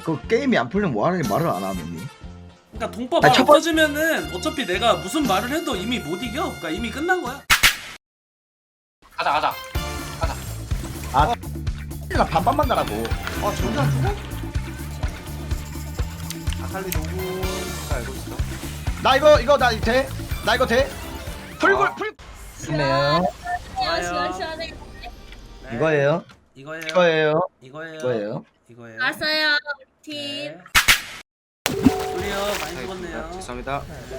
그 게임이 안 풀리면 뭐하는 말을 안 하느니? 그러니까 동법 아니, 안 첫 번- 없어지면은 어차피 내가 무슨 말을 해도 이미 못 이겨. 그러니까 이미 끝난 거야. 가자. 나 반반만 가라고. 저기 안 죽어? 아칼리 노군 알고 있어. 나 이거 돼? 나 이거 돼? 풀굴 아. 풀. 좋네요. 시원시원해. 네. 이거예요. 이거예요. 이거예요. 이거예요. 이거예요. 이거예요. 알았어요. 팀. 네. 우리요 많이 죽었네요. 죄송합니다.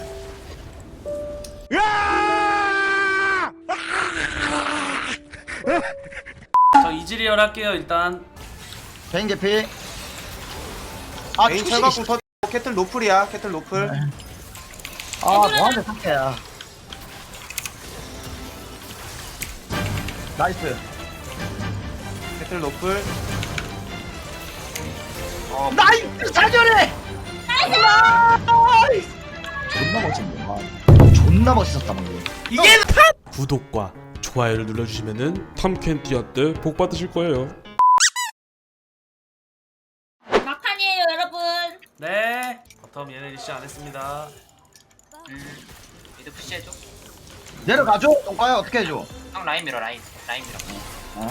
저 이즈리얼 할게요 일단. 개인 개피. 아 메인 투시. 철갑궁 터. 캐틀 노플이야. 캐틀 노플. 아 뭐하는 상태야. 나이스. 캐틀 노플. 나이스 사전에. 나이스. 존나 멋있네. 와. 존나 멋있었다 방금. 이게 구독과 좋아요를 눌러주시면은 탐켄티아 때 복 받으실 거예요. 막판이에요, 여러분. 네. 바텀 얘네 리시 안 했습니다. 미드 푸시해줘. 내려가줘. 똥까야 어떻게 해줘? 형 라인 밀어 라인 밀어.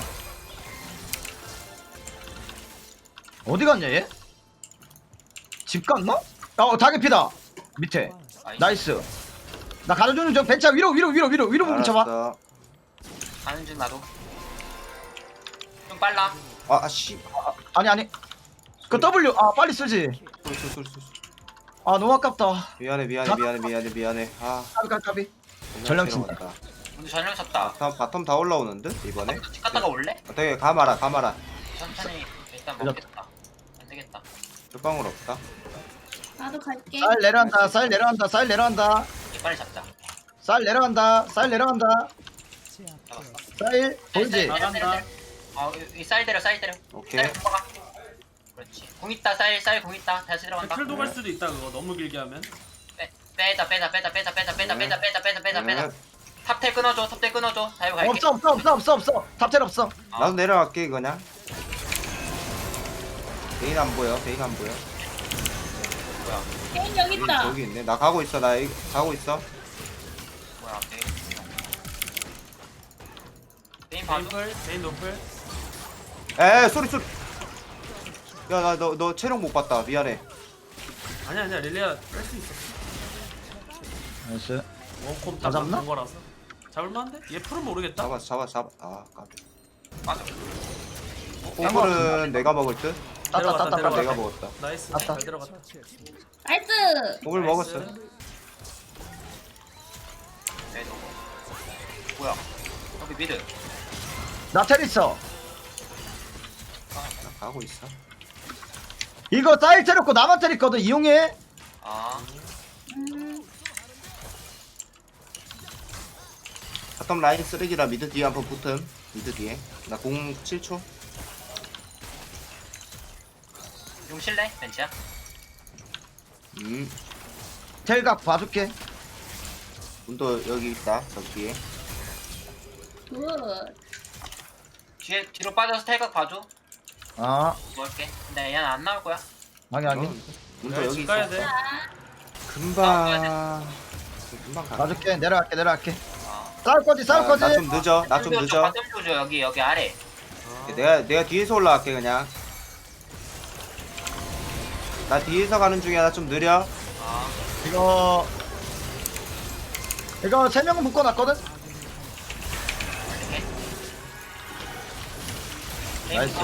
어디 갔냐 얘? 집 갔나? 다개피다. 밑에. 나이스. 나 가려주는 저 벤차 위로 부분 쳐봐. 알았어. 가는 중 나도. 좀 빨라. 씨. 아니. 그 W 빨리 쓰지. 쏠. 너무 아깝다. 미안해. 까비. 전령 친다. 왔다. 오늘 전령 쳤다. 바텀 다 올라오는 듯 이번에. 집 갔다가 올래? 되게 가마라. 천천히 일단 그래. 먹겠다. 안 되겠다. 뚜방울 없다. 나도 갈게. 쌀 내려간다. 이게 빨리 잡자. 쌀 내려간다. 잡았어. 쌀 보이지? 나간다. 쌀 때려. 오케이. 쌀 뽑아가. 그렇지. 공 있다 쌀 공 있다. 다시 들어간다. 틀도 갈 수도 있다 그거 너무 길게 하면. 빼자. 탑텔 끊어줘. 다이브 갈게. 없어. 탑텔 없어. 나도 내려갈게 그냥. 베인 안 보여. 게임 여기 있다. 저기 있네. 나 가고 있어. 가고 있어. 뭐야? 게임 봐줘. 메인 노플. 소리. 야, 너 체력 못 봤다. 미안해. 아니야 릴리아 뺄 수 있어. 나이스. 원콤 다 잡나? 본 거라서. 잡을만한데? 얘 풀은 모르겠다. 잡아. 까비. 맞아. 호불은 내가 먹을 듯. 내려갔다. 내가 먹었다. 나이스. 맞다. 잘 들어갔다. 나이스. 호불 나이스. 먹었어. 네, 너무. 뭐야? 여기 미드. 나텔 있어. 나 가고 있어. 이거 쌀 테렸고 나만 텔 있거든. 이용해. 바텀 라인 쓰레기라 미드 뒤에 한번 붙음. 미드 뒤에. 나 공 7초. 용 실래? 벤치야? 텔각 봐줄게. 문도 여기 있다. 저 뒤에. 굿. 뒤로 빠져서 탈각 봐줘. 뭐 할게. 근데 얘는 안 나올 거야. 확인. 문도 야, 여기 집 있어. 가야 돼. 금방 가. 봐줄게. 내려갈게. 어. 싸울 거지. 나 좀 늦어. 바텀 조져 여기 아래. 내가 뒤에서 올라갈게 그냥. 나 뒤에서 가는 중이야. 나 좀 느려. 이거 3명은 묶어놨거든. 나이스.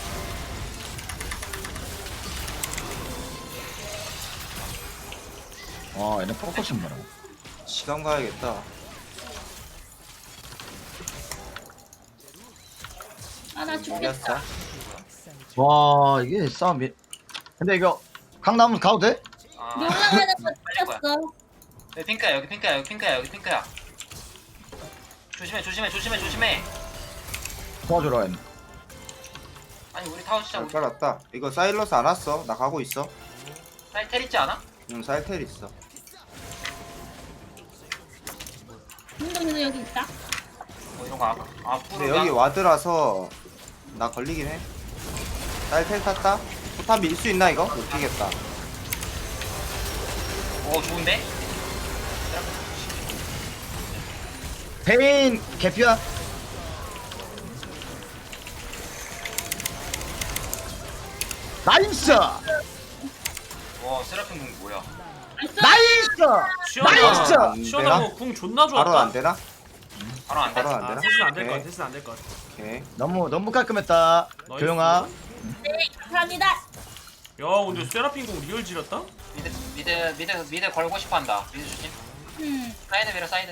얘네 포커싱 봐라. 시간 가야겠다. 나 죽겠다. 이겼어. 와 이게 싸움이. 근데 이거 강남은 가도 돼? 너 올라가는 거 빨리 거야. 찍혔어. 여기 핑크야. 조심해. 도와주라 했네. 아니 우리 타워 진짜 잘 깔았다. 이거 사일러스 안 왔어. 나 가고 있어. 텔 있지 않아? 사일텔 있어. 운동이도 여기 있다. 이런 거 근데 여기 와드라서 나 걸리긴 해. 사일텔 탔다. 포탑 밀 수 있나 이거? 못 끼겠다. 오 좋은데? 베인 개피야. 나이스. 와 세라핀 공 뭐야? 나이스. 나이스! 안 시원하고 되나? 궁 존나 바로 좋았다. 안 되나? 바로 안 돼. 바로 안 아, 되나? 됐으면 안될 것 오케이. 같아. 됐으면 안될 것 같아. 오케이. 너무 깔끔했다. 나이스. 조용아. 네, 감사합니다. 야 근데 세라핀 공 리얼 지렸다? 미드 걸고 싶어한다. 미드 조심. 사이드 밀어 사이드.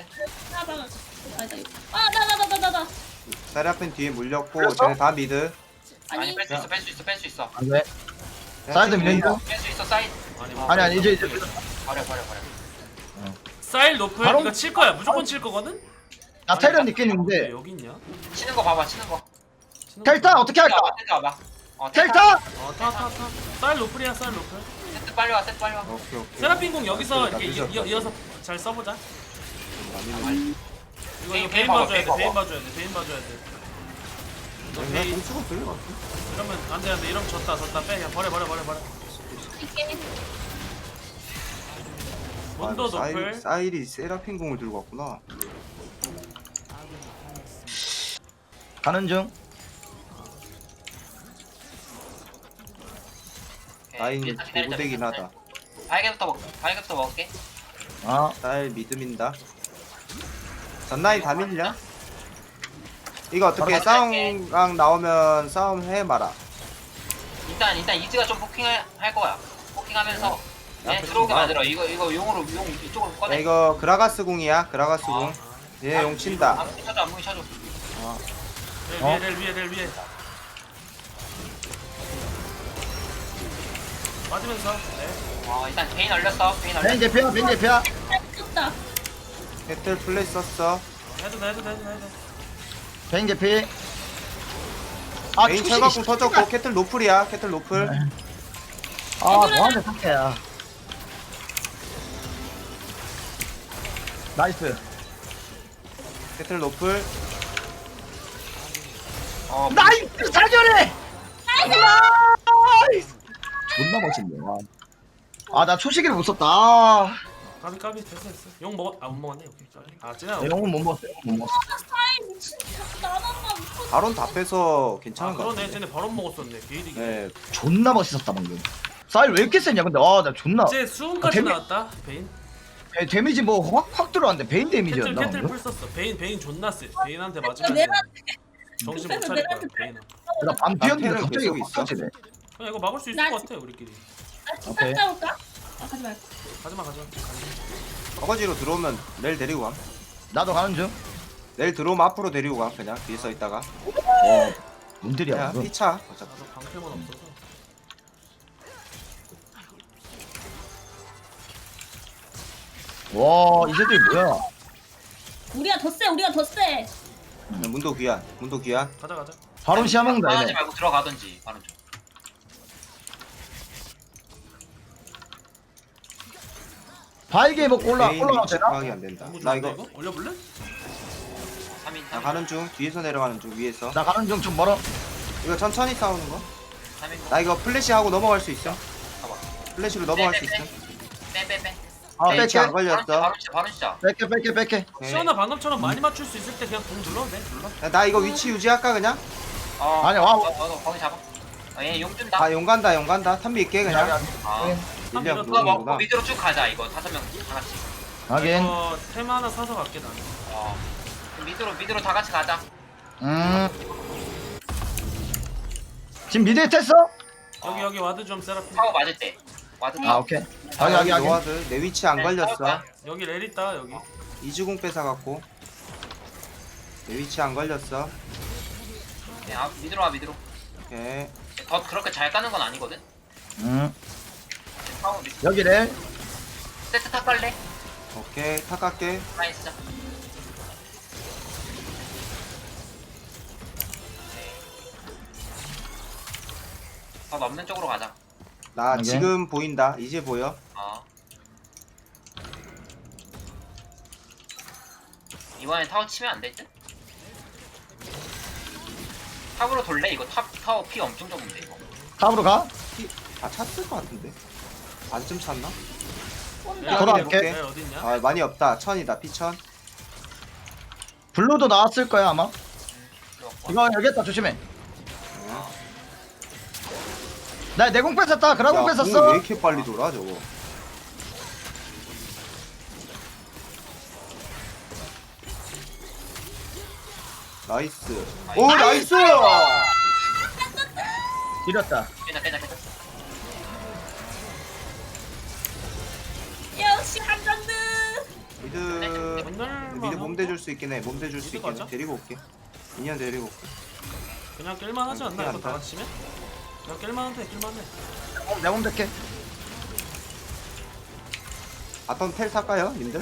나나나나나나. 세라핀 뒤에 물렸고 그랬어? 쟤네 다 미드. 아니, 뺄 수 있어 뺄 수 있어 뺄 수 있어. 안 돼. 사이드 밀린다. 뺄 수 있어 사이드. 아니 이제 버려. 사일 노플 바로- 이거 칠 거야. 무조건 칠 거거든? 나 테런 왜 있겠는데. 여기 있냐? 치는 거 봐봐 치는 거. 치는 텔타 어떻게 할까? 텐트 와봐. 텔타. 타. 사일 노플이야 사일 노플. 세트 빨리 와 세트 빨리 와. 오케이 오케이. 세라핀 공 여기서 나 이렇게 늦었다. 이어서 잘 써보자. 많이 이거 베인 베인 봐봐, 봐줘야 돼. 베인 베인 봐봐. 봐줘야 돼. 베인 봐줘야 돼. 너 밀려. 베인 공수가 들려. 이러면 안돼 이러면 졌다 빼 그냥 버려. 이게 문도 노플. 사일이 세라핀 공을 들고 왔구나. 가는 중. 라인 고되긴 하다. 발개부터 먹을게. 아 사일 믿음인다. 전라인 다 밀려? 이거 어떻게 바로 싸움강 나오면 싸움 해 마라. 일단 이즈가 좀 포킹할 거야. 포킹하면서 얘 앞에 들어오게 좀 봐. 만들어. 이거 용 이쪽으로 야, 꺼내. 이거 그라가스 궁이야. 그라가스 궁. 아. 얘 용 친다. 안무기 쳐줘. 렐 위에. 맞으면서. 네. 일단 베인 얼렸어. 베인 베인 얼렸어. 개피야. 베인 개피야. 미쳤다. 배틀 플레이 썼어. 해도 돼. 베인 개피. 아 메인 투시. 철갑궁 터졌고 캐틀 노플이야. 캐틀 노플. 아 뭐하는 상태야. 나이스. 캐틀 노플. 나이스 사전에. 나이스. 존나 멋있네. 아나 초시기를 못 썼다. 아, 까비 됐어. 용 먹었 못 먹었네. 오케이. 아 쟤네. 내 영웅 못 먹었어. 못 먹었어. 사이 미친. 나나나 미쳤어. 바론 다 빼서 아 괜찮은 거 그러네. 같아. 쟤네 바로 먹었었네. 게이득이. 네. 존나 멋있었다 방금. 사일 왜 이렇게 세냐 근데. 아 나 존나. 이제 수은까지 데미- 나왔다. 베인. 데미지 뭐 확 들어왔는데 베인 데미지였나 캐틀 방금? 풀 썼어. 베인 존나 세. 베인한테 내가 맞으면 정신 못 차릴 거야. 베인은. 나 반피였는데 나태는 갑자기 계속 확 있어. 터지네. 그냥 이거 막을 수 있을 나 것 같아 우리끼리. 나 오케이. 진짜 싸울까? 가지 말고. 가지마. 어거지로 들어오면 내일 데리고 감. 나도 가는 중. 내일 들어오면 앞으로 데리고 가. 그냥 뒤에 서 있다가. 뭔들이야 그냥 이거. 피차. 어차피. 나도 방패만 없어서. 와 이새들 뭐야? 우리가 더 세. 문도 귀한. 문도 귀한. 가자. 바론 시야먹는다 하지 얘네. 말고 들어가든지 바로 좀. 바이게 먹고 개인 올라가도 위치 되나? 파악이 안 된다. 너무 나 좋은데 이거 이거? 올려볼래? 3인 나 가는 중. 뒤에서 내려가는 중. 위에서. 나 가는 중 좀 멀어. 이거 천천히 싸우는 거. 3인 나 이거 플래시 하고 넘어갈 수 있어. 봐봐. 플래시로 넘어갈 수 있어. 빼. 아 H 뺄게. 안 걸렸어. 바로 시작. 뺄게. 오케이. 시원아 방금처럼 많이 맞출 수 있을 때 그냥 공 눌러도 돼. 눌러. 야, 나 이거 위치 유지할까 그냥? 아니, 와. 거기 잡아. 얘용 준다. 아 용 간다. 탐비 있게 그냥. 한 밀려 밀어. 그거 먹고 들어오는구나. 밑으로 쭉 가자 이거 5명 다 같이. 하긴. 이거 템 하나 사서 갈게 나는. 그럼 밑으로 다 같이 가자. 지금 미드에 tes어? 여기 와드 좀 세라핀. 타워 맞을 때. 와드 아 타워. 오케이. 아, 하긴. 노아드. 내 위치 안 네, 걸렸어. 싸울 여기 렐 있다 여기. 이주공 뺏어갖고. 내 위치 안 걸렸어. 밑으로 와 밑으로. 오케이. 더 그렇게 잘 까는 건 아니거든. 타워 밑. 여기래. 세트 탑 갈래? 오케이. 탁 갈게. 라인 쓰자. 더 넘는 쪽으로 가자. 나 오케이. 지금 보인다. 이제 보여. 이번엔 타워 치면 안 될 듯? 탑으로 돌래? 이거 타워 피 엄청 적은데 이거. 탑으로 가. 다 찼을 것 같은데. 반쯤 찼나? 온다. 돌아갈게. 네, 어딨냐? 아 많이 없다. 1000이다. 피천. 블루도 나왔을 거야 아마. 들어왔고. 이거 여기 있다 조심해. 나 내공 뺏었다. 그라공 야, 뺏었어. 공왜 이렇게 빨리 돌아 저거? 나이스. 오 나이스. 지렸다. 괜찮아. 역시 한정드. 미드 맨날만 몸 대줄 수 있긴 해. 몸 대줄 수 미드 있긴 해. 가자. 데리고 올게. 인연 데리고 올게. 그냥 깰만 하지 않나? 이거 않다. 다 같이면? 그냥 깰만한데. 내공 될게. 바텀 텔 탈까요, 님들?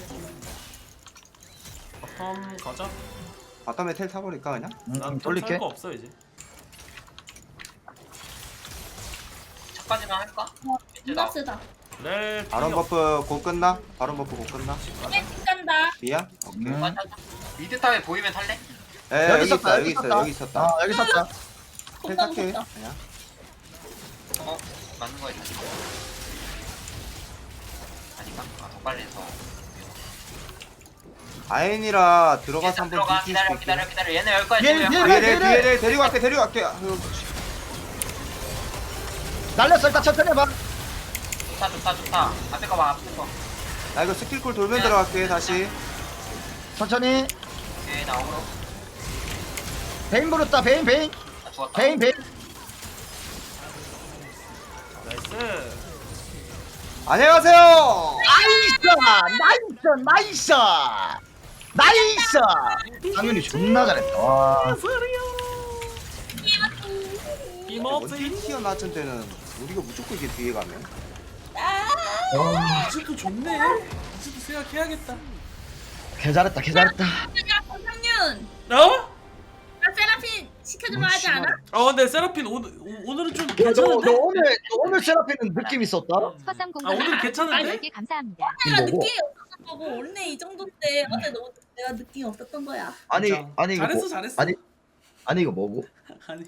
바텀 가자. 바텀에 텔 타버릴까 그냥? 난 돌릴게. 살거 없어 이제. 첫까지만 할까? 이제 존나 나 쓰다. 렐. 바론 버프 곧 끝나? 바론 버프 곧 끝나? 집 간다. 미야? 오케이. 미드 타에 보이면 탈래? 에 여기 여기 있었다, 있어 여기 여기 있어 있었다. 여기 있었다. 아 여기 있었다. 텔 금방 탈게 썼다. 그냥. 맞는 거야 다시. 아닌가? 더 빨리 해서. 아엔이라 들어가서 한번 들어가. 뒤질 수 기다려. 있게. 얘네 열 거야. 얘, 지금 얘, 열 거야. 뒤에 데리고 갈게. 아유, 날렸어. 일단 천천히 해봐. 좋다. 앞에 거 봐. 앞에 거. 나 이거 스킬콜 돌면 들어갈게 다시. 천천히. 오케이 나 어그로. 베인 부렸다. 베인. 나 죽었다. 베인. 나이스. 안녕하세요. 나이스. 당연히 존나 잘했다. 와. 이모지. 원딜 티어 낮은 때는 우리가 무조건 이게 뒤에 가면. 이즈도 좋네. 이즈도 생각해야겠다. 개 잘했다. 야, 권상윤. 어? 나 세라핀 시켜주면 하지 않아? 근데 세라핀 오늘은 좀 너 괜찮은데? 오늘 세라핀은 느낌 있었다. 오늘 괜찮은데? 10개 감사합니다. 내가 뭐고? 느낌이 없었던 거고 원래 이 정도인데 어제 너무 내가 느낌이 없었던 거야. 아니 진짜. 이거 잘했어, 뭐, 잘했어. 아니 이거 뭐고? 아니.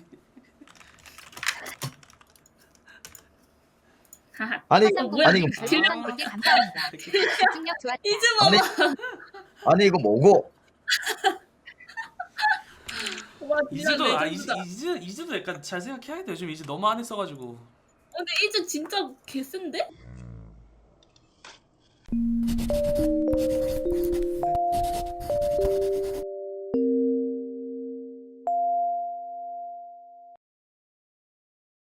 하하. 아니 뭐야? 아니 이거 10개 감사합니다. 집중력 좋았다. 이제 아니 봐봐. 아니 이거 뭐고? 와, 진짜 이즈도 레전드다. 이즈도 약간 잘 생각해야겠다. 요즘 이즈 너무 안 했어가지고. 근데 이제 진짜 개쓴데?